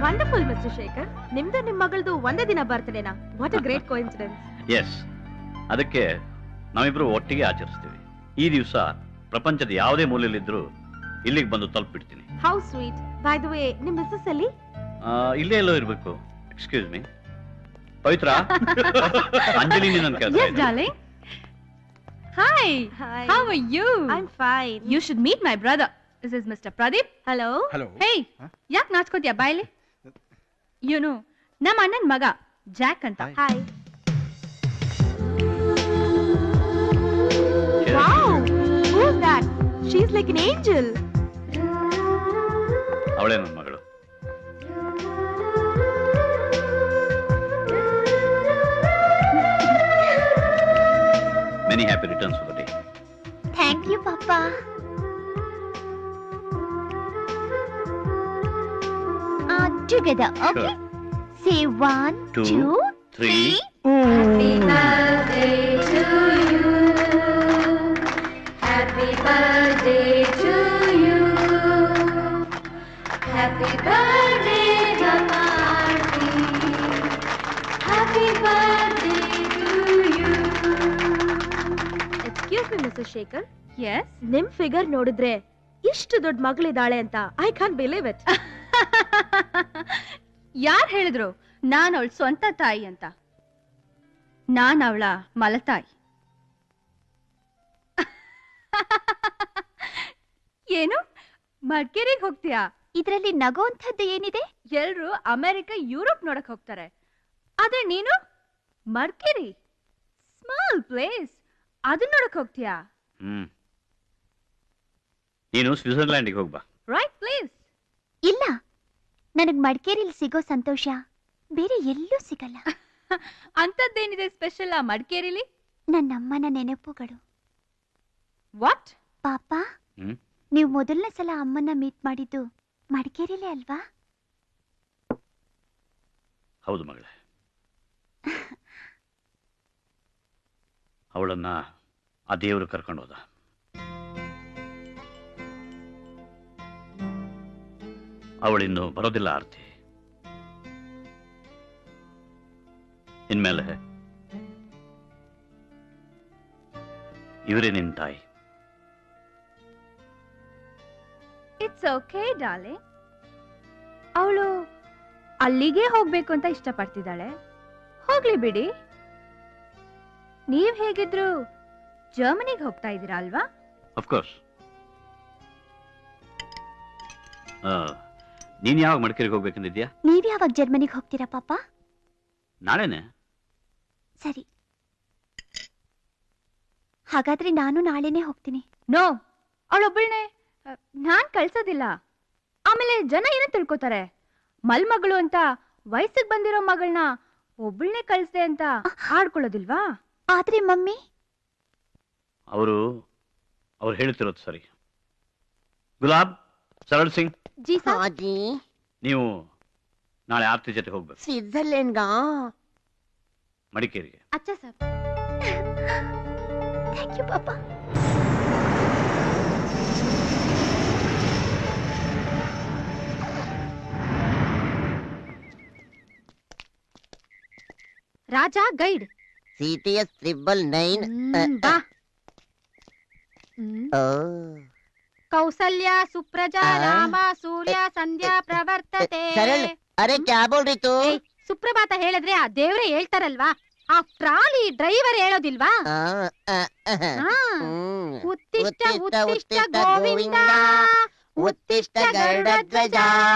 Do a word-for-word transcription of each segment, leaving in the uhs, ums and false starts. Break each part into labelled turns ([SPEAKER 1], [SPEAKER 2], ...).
[SPEAKER 1] Wonderful mister Shekhar. ನಿಮ್ದು ನಿಮ್ ಮಗಳದು ಒಂದೇ ದಿನ ಬರ್ತಡೇನಾ? What a great coincidence.
[SPEAKER 2] Yes, ಅದಕ್ಕೆ ನಾವಿಬ್ರು ಒಟ್ಟಿಗೆ ಆಚರಿಸ್ತೀವಿ. ಈ ದಿವಸ ಪ್ರಪಂಚದ ಯಾವುದೇ ಮೂಲೆಯಲ್ಲಿದ್ರೂ ಇಲ್ಲಿಗೆ ಬಂದು ತಲುಪಿಡ್ತೀನಿ.
[SPEAKER 1] How sweet. By the way, ನಿಮ್ ಮಿಸ್ಸಸ್ ಅಲ್ಲಿ?
[SPEAKER 2] ಇಲ್ಲೇ ಎಲ್ಲೋ ಇರಬೇಕು. ಎಕ್ಸ್ಕ್ಯೂಸ್ ಮೀ ಪವಿತ್ರ. ಅಂಜಲಿ ನನ್ನ ಕೆಲಸ.
[SPEAKER 3] Yes darling. Hi.
[SPEAKER 1] Hi.
[SPEAKER 3] How are you?
[SPEAKER 1] I'm fine.
[SPEAKER 3] You should meet my brother. This is Mister Pradeep.
[SPEAKER 1] Hello.
[SPEAKER 4] Hello.
[SPEAKER 3] Hey. ಯಾಕ್ ನಾಚ್ಕೋತಿಯಾ ಬಾಯ್ಲಿ? ಇವನು ನಮ್ಮ ಅಣ್ಣನ ಮಗ ಜಾಕ್ ಅಂತ.
[SPEAKER 1] Hi. Wow. Who's that? She's like an angel.
[SPEAKER 2] ಅವಳೇ ನನ್ನ ಮಗಳು. Many happy returns for the day.
[SPEAKER 5] Thank you, Papa. Uh, together, okay?
[SPEAKER 2] Sure.
[SPEAKER 5] Say one,
[SPEAKER 2] Two,
[SPEAKER 5] two,
[SPEAKER 2] three.
[SPEAKER 3] Happy birthday to you. Happy birthday to you. Happy birthday, Gamarti. Happy birthday to you.
[SPEAKER 1] Excuse me, Missus Shaker.
[SPEAKER 3] Yes.
[SPEAKER 1] ನಿಮ್ figure ನೋಡಿದ್ರೆ ಇಷ್ಟು ದೊಡ್ಡ ಮಗಳಿದ್ದಾಳೆ ಅಂತ I can't believe it.
[SPEAKER 3] ಯಾರ್ ಹೇಳಿದ್ರು ನಾನು ಅವಳ ಸ್ವಂತ ತಾಯಿ ಅಂತ? ನಾನ್ ಅವಳ ಮಲತಾಯಿ. ಏನು ಮಡಿಕೇರಿಗೆ ಹೋಗ್ತೀಯಾ?
[SPEAKER 5] ಇದ್ರಲ್ಲಿ ನಗೋಂಥದ್ದು ಏನಿದೆ?
[SPEAKER 3] ಎಲ್ರು ಅಮೆರಿಕ ಯುರೋಪ್ ನೋಡಕ್ ಹೋಗ್ತಾರೆ, ಆದ್ರೆ ನೀನು ಮಡಿಕೇರಿ ಸ್ಮಾಲ್ ಪ್ಲೇಸ್ ಅದನ್ನ ನೋಡಕ್ ಹೋಗ್ತೀಯಾ?
[SPEAKER 2] ಹ್ಮ್ ನೀನು ಸ್ವಿಟ್ಜರ್ಲ್ಯಾಂಡಿಗೆ ಹೋಗ್ಬಾ.
[SPEAKER 3] Right place.
[SPEAKER 5] ಇಲ್ಲ, ನನಗ್ ಮಡಿಕೇರಿಲಿ ಸಿಗೋ ಸಂತೋಷ ಬೇರೆ ಎಲ್ಲೂ ಸಿಗಲ್ಲ.
[SPEAKER 3] ಅಂತದ್ದೇನಿದೆ ಸ್ಪೆಷಲ್ ಆ ಮಡಿಕೇರಿಲಿ?
[SPEAKER 5] ನನ್ನಮ್ಮನ ನೆನಪುಗಳು.
[SPEAKER 3] ವಾಟ್?
[SPEAKER 5] ಪಾಪ,
[SPEAKER 2] ಹ್ಮ್
[SPEAKER 5] ನೀವು ಮೊದಲನೇ ಸಲ ಅಮ್ಮನ ಮೀಟ್ ಮಾಡಿದ್ದು ಮಡಿಕೇರಿಲೇ ಅಲ್ವಾ?
[SPEAKER 2] ಹೌದು ಮಗಳೇ. ಅವಳನ್ನ ಆ ದೇವರು ಕರ್ಕೊಂಡು ಹೋದ. ಅವಳಿನ್ನು ಬರೋದಿಲ್ಲ ಆರ್ತಿ. ಇನ್ಮೇಲೆ ಇವರೇ ನಿನ್ ತಾಯಿ.
[SPEAKER 3] It's okay darling. ಅವಳು ಅಲ್ಲಿಗೆ ಹೋಗ್ಬೇಕು ಅಂತ ಇಷ್ಟಪಡ್ತಿದ್ದಾಳೆ, ಹೋಗ್ಲಿ ಬಿಡಿ. ನೀವ್ ಹೇಗಿದ್ರು ಜರ್ಮನಿಗೆ ಹೋಗ್ತಾ ಇದ್ದೀರಾ ಅಲ್ವಾ?
[SPEAKER 2] ಅಫ್ಕೋರ್ಸ್. ನೀನ್ ಯಾವಾಗ ಮಡಿಕೇರಿಗೆ ಹೋಗ್ಬೇಕಂದಿದ್ಯಾ?
[SPEAKER 5] ನೀವ್ ಯಾವಾಗ ಜರ್ಮನಿಗೆ ಹೋಗ್ತೀರಾ ಪಾಪ?
[SPEAKER 2] ನಾಳೆನೆ.
[SPEAKER 5] ಸರಿ, ಹಾಗಾದ್ರೆ ನಾನು ನಾಳೆನೆ ಹೋಗ್ತೀನಿ.
[SPEAKER 3] ನೋ, ಅವಳೊಬ್ಬಳನೆ ನಾನ್ ಕಳ್ಸೋದಿಲ್ಲ. ಆಮೇಲೆ ಜನ ಏನೋ ತಿಳ್ಕೊತಾರೆ, ಮಲ್ಮಗಳು ಅಂತ ವಯಸ್ಸಿಗೆ ಬಂದಿರೋ ಮಗಳನ್ನ ಒಬ್ಬಳನೆ ಕಳ್ಸ್ದೆ ಅಂತ ಆಡ್ಕೊಳ್ಳೋದಿಲ್ವಾ?
[SPEAKER 5] ಆದ್ರೆ ಮಮ್ಮಿ,
[SPEAKER 2] ಅವರು ಅವ್ರು ಹೇಳ್ತಿರೋದು ಸರಿ. ಗುಲಾಬ್, ಸರಳ್ ಸಿಂಗ್,
[SPEAKER 5] ಜಿ
[SPEAKER 6] ಹಾಜಿ,
[SPEAKER 2] ನೀವು ನಾಳೆ ಆರ್ತಿ ಜೊತೆ ಹೋಗ್ಬೇಕು
[SPEAKER 6] ಸ್ವಿಟ್ಜರ್ಲೆಂಡ್ಗಾ?
[SPEAKER 2] ಮಡಿಕೇರಿಗೆ.
[SPEAKER 3] ಅಚ್ಚಾ ಸರ್.
[SPEAKER 5] ಥ್ಯಾಂಕ್ ಯು ಪಾಪ.
[SPEAKER 3] Raja guide.
[SPEAKER 6] CTS triple nine.
[SPEAKER 3] ಬಾ.
[SPEAKER 6] ಓ,
[SPEAKER 3] ಕೌಸಲ್ಯ ಸುಪ್ರಜಾ ರಾಮ ಸೂರ್ಯ ಸಂಧ್ಯಾ ಪ್ರವರ್ತತೆ.
[SPEAKER 6] ಸರಳ್, ಅರೆ ಕ್ಯಾ ಬೋಲ್ ರही तू?
[SPEAKER 3] ಸುಪ್ರಭಾತ ಹೇಳಿದ್ರೆ ಆ ದೇವ್ರೆ ಹೇಳ್ತಾರಲ್ವಾ, ಆ ಟ್ರಾಲಿ ಡ್ರೈವರ್ ಹೇಳೋದಿಲ್ವಾ?
[SPEAKER 6] ಆ, ಆ, ಆ,
[SPEAKER 3] ಹಾ.
[SPEAKER 6] ಹ್ಮ್.
[SPEAKER 3] ಉತ್ತಿಷ್ಟ
[SPEAKER 6] ಉತ್ತಿಷ್ಟ
[SPEAKER 3] ಉತ್ತಿಷ್ಟ
[SPEAKER 6] ಉತ್ತಿಷ್ಟ
[SPEAKER 3] ಗೋವಿಂದ,
[SPEAKER 6] ಉತ್ತಿಷ್ಟ ಗರುಡಧ್ವಜ.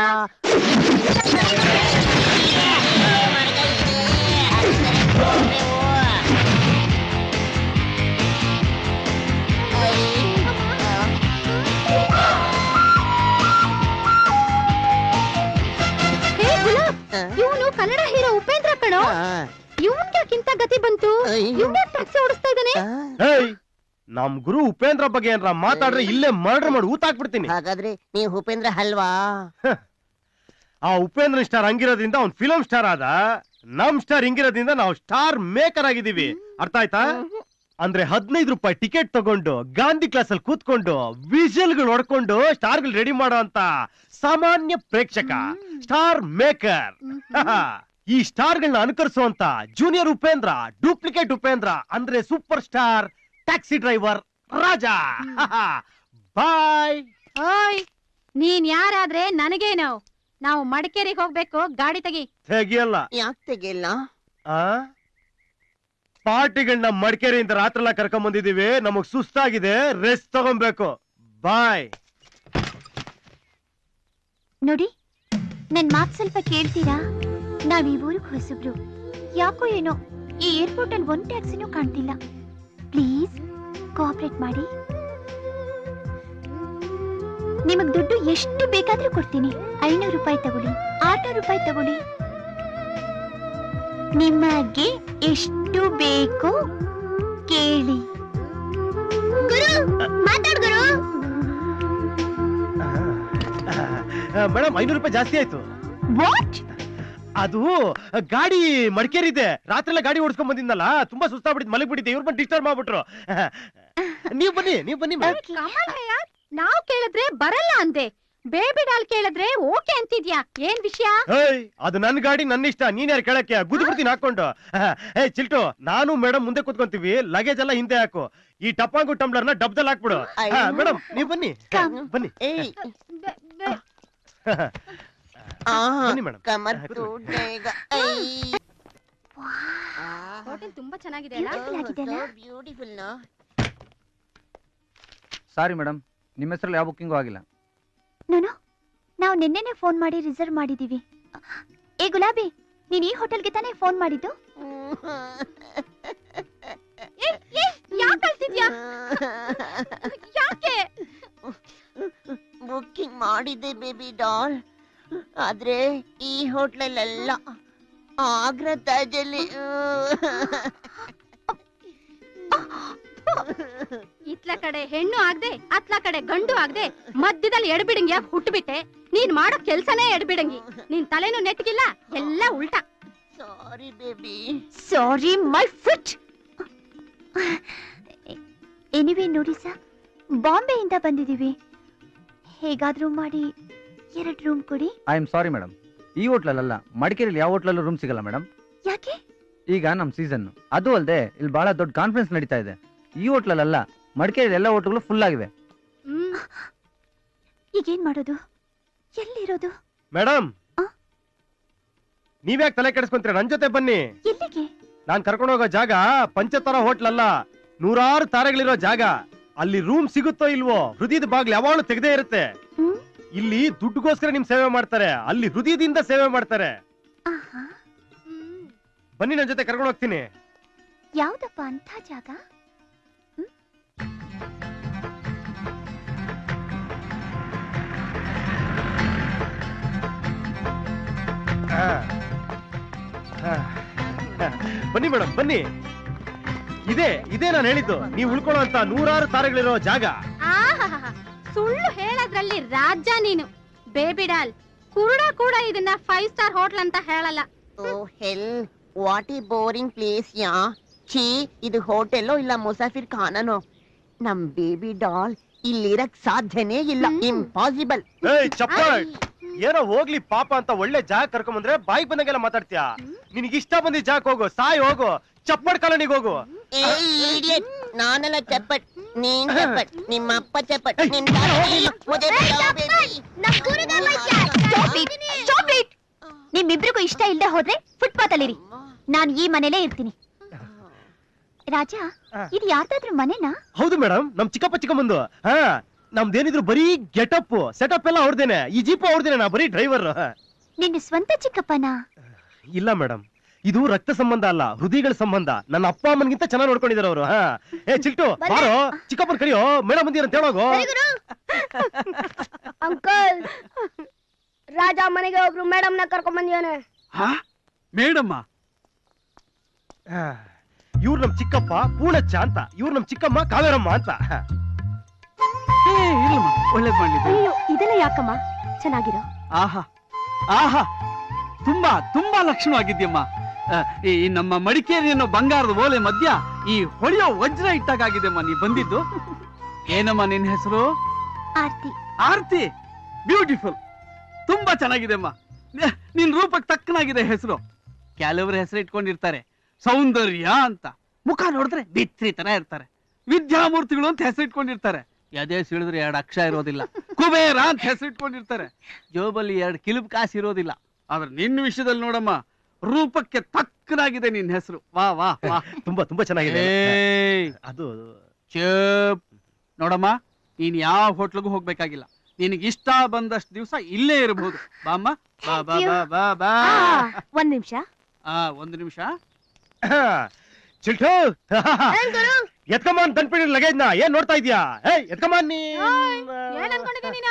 [SPEAKER 3] ಇವನು ಕನ್ನಡ ಹೀರೋ ಉಪೇಂದ್ರ ಕಣೋ. ಇವನ್ಯಾಕಿಂತ ಗತಿ ಬಂತು? ಇವನ್ಯಾಕ್ ಟ್ಯಾಕ್ಸಿ ಓಡಿಸ್ತಾ ಇದ್ದಾನೆ?
[SPEAKER 4] ಹೇಯ್, ನಮ್ ಗುರು ಉಪೇಂದ್ರ ಬಗ್ಗೆ ಏನಾರ ಮಾತಾಡ್ರೆ ಇಲ್ಲೇ ಮರ್ಡರ್ ಮಾಡಿ ಊತಾಕ್ಬಿಡ್ತೀನಿ.
[SPEAKER 6] ಹಾಗಾದ್ರೆ ನೀವು ಉಪೇಂದ್ರ ಅಲ್ವಾ?
[SPEAKER 4] ಆ ಉಪೇಂದ್ರ ಸ್ಟಾರ್ ಹಂಗಿರೋದ್ರಿಂದ ಅವ್ನ್ ಫಿಲಂ ಸ್ಟಾರ್ ಆದ. ನಮ್ ಸ್ಟಾರ್ ಹಿಂಗಿರೋದ್ರಿಂದ ನಾವು ಸ್ಟಾರ್ ಮೇಕರ್ ಆಗಿದ್ದೀವಿ. ಅರ್ಥ ಆಯ್ತಾ? ಅಂದ್ರೆ ಹದಿನೈದು ರೂಪಾಯಿ ಟಿಕೆಟ್ ತಗೊಂಡು ಗಾಂಧಿ ಕ್ಲಾಸ್ ಅಲ್ಲಿ ಕೂತ್ಕೊಂಡು ವಿಷಲ್ಗಳು ಹೊಡ್ಕೊಂಡು ಸ್ಟಾರ್ಗಳು ರೆಡಿ ಮಾಡೋ ಅಂತ ಸಾಮಾನ್ಯ ಪ್ರೇಕ್ಷಕ ಸ್ಟಾರ್ ಮೇಕರ್. ಈ ಸ್ಟಾರ್ ಗಳನ್ನ ಅನುಕರಿಸುವಂತ ಜೂನಿಯರ್ ಉಪೇಂದ್ರ, ಡೂಪ್ಲಿಕೇಟ್ ಉಪೇಂದ್ರ ಅಂದ್ರೆ super star taxi driver Raja. ಬಾಯ್.
[SPEAKER 1] ಓಯ್, ನೀನ್ ಯಾರಾದ್ರೆ ನನಗೇನು? ನಾವು ಮಡಿಕೇರಿಗೆ ಹೋಗ್ಬೇಕು, ಗಾಡಿ ತೆಗಿ.
[SPEAKER 4] ತೆಗಿಯಲ್ಲ.
[SPEAKER 6] ಯಾಕೆ ತೆಗಿಲ್ಲ?
[SPEAKER 4] ಆ ಪಾರ್ಟಿಗಳನ್ನ ಮಡಿಕೇರಿಯಿಂದ ರಾತ್ರಿ ಎಲ್ಲ ಕರ್ಕೊಂಡ್ ಬಂದಿದೀವಿ, ನಮಗ್ ಸುಸ್ತಾಗಿದೆ, ರೆಸ್ಟ್ ತಗೊಬೇಕು. ಬಾಯ್.
[SPEAKER 5] ನೋಡಿ, ನನ್ ಮಾತ್ ಸ್ವಲ್ಪ ಕೇಳ್ತೀರಾ? ನಾವ್ ಈ ಊರಿಗೆ ಹೊಸಬ್ರು. ಯಾಕೋ ಏನೋ ಈ ಏರ್ಪೋರ್ಟ್ ಅಲ್ಲಿ ಒಂದ್ ಟ್ಯಾಕ್ಸಿನೂ ಕಾಣ್ತಿಲ್ಲ. ಪ್ಲೀಸ್ ಕೋಆಪರೇಟ್ ಮಾಡಿ. ನಿಮಗ್ ದುಡ್ಡು ಎಷ್ಟು ಬೇಕಾದ್ರೂ ಕೊಡ್ತೀನಿ. ಐನೂರು ರೂಪಾಯಿ ತಗೊಳ್ಳಿ, ಆರ್ನೂರು ರೂಪಾಯಿ ತಗೊಳ್ಳಿ, ನಿಮಗೆ ಎಷ್ಟು ಬೇಕು ಕೇಳಿ. ಗುರು ಮಾತಾಡ್ ಗುರು.
[SPEAKER 4] ಮೇಡಮ್, ಐನೂರು ರೂಪಾಯಿ ಜಾಸ್ತಿ ಆಯ್ತು.
[SPEAKER 5] ವಾಟ್?
[SPEAKER 4] ಅದು ಗಾಡಿ ಮಡಿಕೇರಿ ಇದೆ, ರಾತ್ರಿ ಎಲ್ಲ ಗಾಡಿ ಓಡಿಸ್ಕೊಂಡ್ ಬಂದಿದ್ದಲ್ಲ, ತುಂಬಾ ಸುಸ್ತಾಗ್ಬಿಟ್ಟಿದ್, ಮಲಗ್ ಬಿಟ್ಟಿದ್ದೆ, ಇವ್ರು ಬಂದು ಡಿಸ್ಟರ್ಬ್ ಮಾಡ್ಬಿಟ್ರು. ನೀವ್ ಬನ್ನಿ, ನೀವ್ ಬನ್ನಿ.
[SPEAKER 1] ನಾವ್ ಕೇಳಿದ್ರೆ ಬರಲ್ಲ ಅಂದೆ, ಬೇಬಿ ಡಾಲ್ ಕೇಳಿದ್ರೆ ಓಕೆ ಅಂತಿದ್ಯಾ? ಏನ್ ವಿಷಯ?
[SPEAKER 4] ಏಯ್, ಅದು ನನ್ ಗಾಡಿ, ನನ್ನ ಇಷ್ಟ, ನೀನ್ ಯಾರು ಕೇಳಕ್ಕೆ? ಗುದ್ದು ಬಿಡ್ತೀನಿ ಹಾಕೊಂಡು. ಏ ಚಿಲ್ಟು, ನಾನು ಮೇಡಮ್ ಮುಂದೆ ಕೂತ್ಕೊಂತೀವಿ, ಲಗೇಜ್ ಎಲ್ಲ ಹಿಂದೆ ಹಾಕು, ಈ ಟಪಾಂಗು ಟಂಬ್ಲರ್ನ ಡಬ್ದಲ್ಲಿ ಹಾಕ್ಬಿಡು. ಮೇಡಮ್ ನೀವ್ ಬನ್ನಿ ಬನ್ನಿ
[SPEAKER 6] ಏಯ್
[SPEAKER 4] ಬನ್ನಿ ಮೇಡಮ್.
[SPEAKER 6] ಕಮರ್ ಟೂಟೇಗ.
[SPEAKER 1] ಹೋಟೆಲ್ ತುಂಬಾ ಚೆನ್ನಾಗಿದೆ
[SPEAKER 6] ಬ್ಯೂಟಿಫುಲ್ ನಾ.
[SPEAKER 7] ಸಾರಿ ಮೇಡಮ್, ನಿಮ್ಮ ಹೆಸರಲ್ಲಿ ಯಾವ ಬುಕ್ಕಿಂಗು ಆಗಿಲ್ಲ.
[SPEAKER 5] ನಾನು ನಾವು ನಿನ್ನೆನೆ ಫೋನ್ ಮಾಡಿ ರಿಸರ್ವ್ ಮಾಡಿದೀವಿ. ಏ ಗುಲಾಬಿ, ನೀನ್ ಈ ಹೋಟೆಲ್ಗೆ ತಾನೇ ಫೋನ್ ಮಾಡಿದ್ದು?
[SPEAKER 1] ಯಾಕೆ
[SPEAKER 6] ಬುಕ್ಕಿಂಗ್ ಮಾಡಿದ್ದೆ ಬೇಬಿ ಡಾಲ್, ಆದ್ರೆ ಈ ಹೋಟ್ಲಲ್ಲೆಲ್ಲ ಆಗ್ರಾ ತಾಜಲ್ಲಿ.
[SPEAKER 1] ಇತ್ಲ ಕಡೆ ಹೆಣ್ಣು ಆಗದೆ ಅತ್ಲ ಕಡೆ ಗಂಡು ಆಗದೆ ಮಧ್ಯದಲ್ಲಿ ಎಡ್ಬಿಡಂಗಿ ಹುಟ್ಟುಬಿಟ್ಟೆ. ನೀನ್ ಮಾಡೋ ಕೆಲ್ಸನೇ ಎಡ್ಬಿಡಂಗಿ. ನಿನ್ ತಲೆನೂ ನೆಟ್ಗಿಲ್ಲ, ಎಲ್ಲ ಉಲ್ಟಾ.
[SPEAKER 6] Sorry baby.
[SPEAKER 5] Sorry my foot. Anyway ನೋಡಿ ಸರ್, ಬಾಂಬೆಯಿಂದ ಬಂದಿದೀವಿ. ಹೇಗಾದ್ರೂ ಮಾಡಿ ಎರಡು ರೂಮ್ ಕೊಡಿ.
[SPEAKER 7] ಐ ಆಮ್ ಸಾರಿ ಮೇಡಮ್, ಈ ಹೋಟ್ಲಲ್ಲ, ಮಡಿಕೇರಿಯಲ್ಲಿ ಯಾವ ಹೋಟ್ಲಲ್ಲೂ ರೂಮ್ ಸಿಗಲ್ಲ ಮೇಡಮ್.
[SPEAKER 5] ಯಾಕೆ?
[SPEAKER 7] ಈಗ ನಮ್ ಸೀಸನ್, ಅದು ಅಲ್ಲದೆ ಇಲ್ಲಿ ಬಹಳ ದೊಡ್ಡ ಕಾನ್ಫರೆನ್ಸ್ ನಡೀತಾ ಇದೆ. ಈ ಹೋಟ್ಲಲ್ಲ, ಮಡಿಕೇರಿ ಎಲ್ಲ ಹೋಟ್ಲುಗಳು ಫುಲ್ ಆಗಿವೆ.
[SPEAKER 5] ಈಗೇನ್ ಮಾಡೋದು? ಎಲ್ಲಿರೋದು?
[SPEAKER 4] ಮೇಡಮ್, ನೀವ್ಯಾಕೆ ತಲೆ ಕೆಡಿಸ್ಕೊಂತೀರ? ನನ್ ಜೊತೆ ಬನ್ನಿ.
[SPEAKER 5] ಎಲ್ಲಿಗೆ?
[SPEAKER 4] ನಾನ್ ಕರ್ಕೊಂಡು ಹೋಗೋ ಜಾಗ ಪಂಚತಾರ ಹೋಟ್ಲ್ ಅಲ್ಲ, ನೂರಾರು ತಾರೆಗಳಿರೋ ಜಾಗ. ಅಲ್ಲಿ ರೂಮ್ ಸಿಗುತ್ತೋ ಇಲ್ವೋ, ಹೃದಯದ ಬಾಗ್ಲು ಯಾವಾಗಲೂ ತೆಗೆದೇ ಇರುತ್ತೆ. ಇಲ್ಲಿ ದುಡ್ಡುಗೋಸ್ಕರ ನಿಮ್ ಸೇವೆ ಮಾಡ್ತಾರೆ, ಅಲ್ಲಿ ಹೃದಯದಿಂದ ಸೇವೆ ಮಾಡ್ತಾರೆ. ಬನ್ನಿ, ನನ್ ಜೊತೆ ಕರ್ಕೊಂಡು ಹೋಗ್ತೀನಿ.
[SPEAKER 5] ಯಾವ್ದಪ್ಪ ಅಂತ ಜಾಗ?
[SPEAKER 4] ಬನ್ನಿ ಮೇಡಮ್, ಬನ್ನಿ. ಇದೇ ಇದೇ ನಾನು ಹೇಳಿದ್ದು, ನೀವು ಉಳ್ಕೊಳ್ಳೋ ಅಂತ ನೂರಾರು ತಾರೆಗಳಿರೋ ಜಾಗ.
[SPEAKER 1] ಸುಳ್ಳು ಹೇಳೋದ್ರಲ್ಲಿ ರಾಜ ನೀನು. ಬೇಬಿ ಡಾಲ್, ಕುರುಡ ಕೂಡ ಇದನ್ನ ಫೈವ್ ಸ್ಟಾರ್ ಹೋಟ್ಲ್ ಅಂತ ಹೇಳಲ್ಲ.
[SPEAKER 6] ಓ ಹೆಲ್, ವಾಟ್ ಈ ಬೋರಿಂಗ್ ಪ್ಲೇಸ್ ಯಾ. ಛೀ, ಇದು ಹೋಟೆಲ್ಲೋ ಇಲ್ಲ ಮುಸಾಫಿರ್ ಖಾನನೋ. ನಮ್ ಬೇಬಿ ಡಾಲ್ ಇಲ್ಲಿರಕ್ ಸಾಧ್ಯನೇ ಇಲ್ಲ, ಇಂಪಾಸಿಬಲ್.
[SPEAKER 4] ಏಯ್ ಚಪ್ಪಟ್, ಏನೋ ಹೋಗ್ಲಿ ಪಾಪ ಅಂತ ಒಳ್ಳೆ ಜಾಗ ಕರ್ಕೊಂಡ್ ಬಂದ್ರೆ ಬಾಯಿಗೆ ಬಂದಂಗೆಲ್ಲ ಮಾತಾಡ್ತೀಯ. ನಿನಗೆ ಇಷ್ಟ ಬಂದಿದ್ದ ಜಾಗ ಹೋಗು, ಸಾಯ್ ಹೋಗು, ಚಪ್ಪಟ್ ಕಾಲೋನಿಗೆ ಹೋಗು.
[SPEAKER 6] ನಾನೆಲ್ಲ ಚಪ್ಪಟ್, ನೀನ್ ಚಪ್ಪಟ್, ನಿಮ್ಮ ಅಪ್ಪ ಚಪ್ಪಟ್.
[SPEAKER 5] ನಿಮ್ಮಿಬ್ರಿಗೂ ಇಷ್ಟ ಇಲ್ಲದೆ ಹೋದ್ರೆ ಫುಟ್ಪಾತ್ ಅಲ್ಲಿರಿ, ನಾನು ಈ ಮನೇಲೇ ಇರ್ತೀನಿ. ರಾಜ, ಇದು ಯಾರ್ದಾದ್ರೂ ಮನೆನಾ?
[SPEAKER 4] ಹೌದು ಮೇಡಮ್, ನಮ್ ಚಿಕ್ಕಪ್ಪ ಚಿಕ್ಕಮ್ಮಂದು. ಹಾ, ನಮ್ದೇನಿದ್ರು ಬರೀ ಗೆಟಪ್ ಸೆಟಪ್ ಎಲ್ಲ ಅವ್ರದೇನೆ, ಈ ಜೀಪ್ ಅವ್ರದೇನೆ, ನಾ ಬರೀ ಡ್ರೈವರ್.
[SPEAKER 5] ನಿನ್ನ ಸ್ವಂತ ಚಿಕ್ಕಪ್ಪನಾ?
[SPEAKER 4] ಇಲ್ಲ ಮೇಡಮ್, ಇದು ರಕ್ತ ಸಂಬಂಧ ಅಲ್ಲ, ಹೃದಯಗಳ ಸಂಬಂಧ. ನನ್ನ ಅಪ್ಪ ಅಮ್ಮನಿಗಿಂತ ಚೆನ್ನಾಗಿ ನೋಡ್ಕೊಂಡಿದ್ದಾರೆ ಅವರು. ಹಾ, ಏ ಚಿಲ್ಟು ಬಾರೋ, ಚಿಕ್ಕಪ್ಪನ ಕರಿಯೋ, ಮೇಡಮ್ ಬಂದಿರ ಅಂತ ಹೇಳೋಗು.
[SPEAKER 8] ಅಂಕಲ್, ರಾಜ ಮನೆಗೆ ಒಬ್ರು ಮೇಡಮ್ ನ ಕರ್ಕೊಂಡ್ ಬಂದಿದ್ದಾನೆ.
[SPEAKER 9] ಮೇಡಮ್ಮ?
[SPEAKER 4] ಇವ್ರು ನಮ್ ಚಿಕ್ಕಪ್ಪ ಪೂರ್ಣಚ್ಚ ಅಂತ, ಇವ್ರು ನಮ್ ಚಿಕ್ಕಮ್ಮ ಕಾವೇರಮ್ಮ ಅಂತ.
[SPEAKER 9] ಒಳ್ಳೇದ್ ಮಾಡ್ಲಿದೆ.
[SPEAKER 1] ಇದೆಲ್ಲ ಯಾಕಮ್ಮ? ಚೆನ್ನಾಗಿರೋ.
[SPEAKER 9] ಆಹಾ ಆಹಾ, ತುಂಬಾ ತುಂಬಾ ಲಕ್ಷಣವಾಗಿದ್ಯಮ್ಮ. ಆ, ಈ ನಮ್ಮ ಮಡಿಕೇರಿ ಅನ್ನೋ ಬಂಗಾರದ ಓಲೆ ಮಧ್ಯ ಈ ಹೊಳೆಯೋ ವಜ್ರ ಇಟ್ಟಾಗಿದೆಮ್ಮ ನೀ ಬಂದಿದ್ದು. ಏನಮ್ಮ ನಿನ್ನ ಹೆಸರು?
[SPEAKER 5] ಆರ್ತಿ.
[SPEAKER 9] ಆರ್ತಿ, ಬ್ಯೂಟಿಫುಲ್, ತುಂಬಾ ಚೆನ್ನಾಗಿದೆಮ್ಮ. ನಿ- ನಿನ್ ರೂಪಕ್ಕೆ ತಕ್ಕನಾಗಿದೆ ಹೆಸರು. ಕೆಲವರು ಹೆಸರು ಇಟ್ಕೊಂಡಿರ್ತಾರೆ ಸೌಂದರ್ಯ ಅಂತ, ಮುಖ ನೋಡಿದ್ರೆ ಬಿತ್ರಿ ತರ ಇರ್ತಾರೆ. ವಿದ್ಯಾಮೂರ್ತಿಗಳು ಅಂತ ಹೆಸರು ಇಟ್ಕೊಂಡಿರ್ತಾರೆ, ಎದೆ ಸಿಳಿದ್ರೆ ಎರಡು ಅಕ್ಷರ ಇರೋದಿಲ್ಲ. ಕುಬೇರ ಅಂತ ಹೆಸರು ಇಟ್ಕೊಂಡಿರ್ತಾರೆ, ಜೋಬಲ್ಲಿ ಎರಡು ಕಿಲುಬ್ ಕಾಸು ಇರೋದಿಲ್ಲ. ಆದ್ರೆ ನಿನ್ನ ವಿಷಯದಲ್ಲಿ ನೋಡಮ್ಮ, ರೂಪಕ್ಕೆ ತಕ್ಕನಾಗಿದೆ ನಿನ್ನ ಹೆಸರು. ವಾ ವಾ ವಾ,
[SPEAKER 4] ತುಂಬಾ ತುಂಬಾ ಚೆನ್ನಾಗಿದೆ.
[SPEAKER 9] ಏಯ್,
[SPEAKER 4] ಅದು
[SPEAKER 9] ಚೇಪ್. ನೋಡಮ್ಮ, ನೀನ್ ಯಾವ ಹೋಟ್ಲಿಗೂ ಹೋಗ್ಬೇಕಾಗಿಲ್ಲ. ನಿನಗೆ ಇಷ್ಟ ಬಂದಷ್ಟು ದಿವಸ ಇಲ್ಲೇ ಇರಬಹುದು. ಬಾಮ್ಮ, ಬಾ ಬಾ ಬಾ ಬಾ ಬಾ.
[SPEAKER 3] ಒಂದ್ ನಿಮಿಷ.
[SPEAKER 9] ಆ ಒಂದು ನಿಮಿಷ.
[SPEAKER 4] ಚಿಲ್ಟು ಎತ್ಕಮಾನ್ ತಂದ್ಬಿಡಿ ಲಗೇಜ್ನ. ಏನ್ ನೋಡ್ತಾ ಇದ್ಯಾ? ಏಯ್ ಎತ್ಕಮಾನ್ ನೀ.
[SPEAKER 1] ಏನ್ ಅನ್ಕೊಂಡಿದ್ದೆ ನೀನು?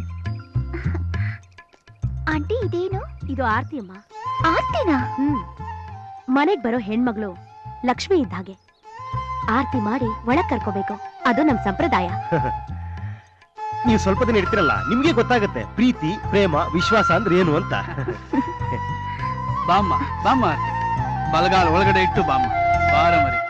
[SPEAKER 5] ಆಂಟಿ ಇದೇನು?
[SPEAKER 3] ಇದು ಆರ್ತಿ ಅಮ್ಮ.
[SPEAKER 5] ಆರ್ತಿನಾ?
[SPEAKER 3] ಹ್ಮ್, ಮನೆಗ್ ಬರೋ ಹೆಣ್ಮಗಳು ಲಕ್ಷ್ಮಿ ಇದ್ದ ಹಾಗೆ. ಆರ್ತಿ ಮಾಡಿ ಒಳಗ್ ಕರ್ಕೋಬೇಕು, ಅದು ನಮ್ ಸಂಪ್ರದಾಯ.
[SPEAKER 4] ನೀವು ಸ್ವಲ್ಪ ದಿನ ಇರ್ತಿರಲ್ಲ, ನಿಮ್ಗೆ ಗೊತ್ತಾಗುತ್ತೆ ಪ್ರೀತಿ, ಪ್ರೇಮ, ವಿಶ್ವಾಸ ಅಂದ್ರೆ ಏನು ಅಂತ.
[SPEAKER 9] ಬಾಮ್ಮ ಬಾಮ್ಮ, ಬಲಗಾಲ ಒಳಗಡೆ ಇಟ್ಟು ಬಾಮ್ಮ. ಬಾರ ಮರಿ.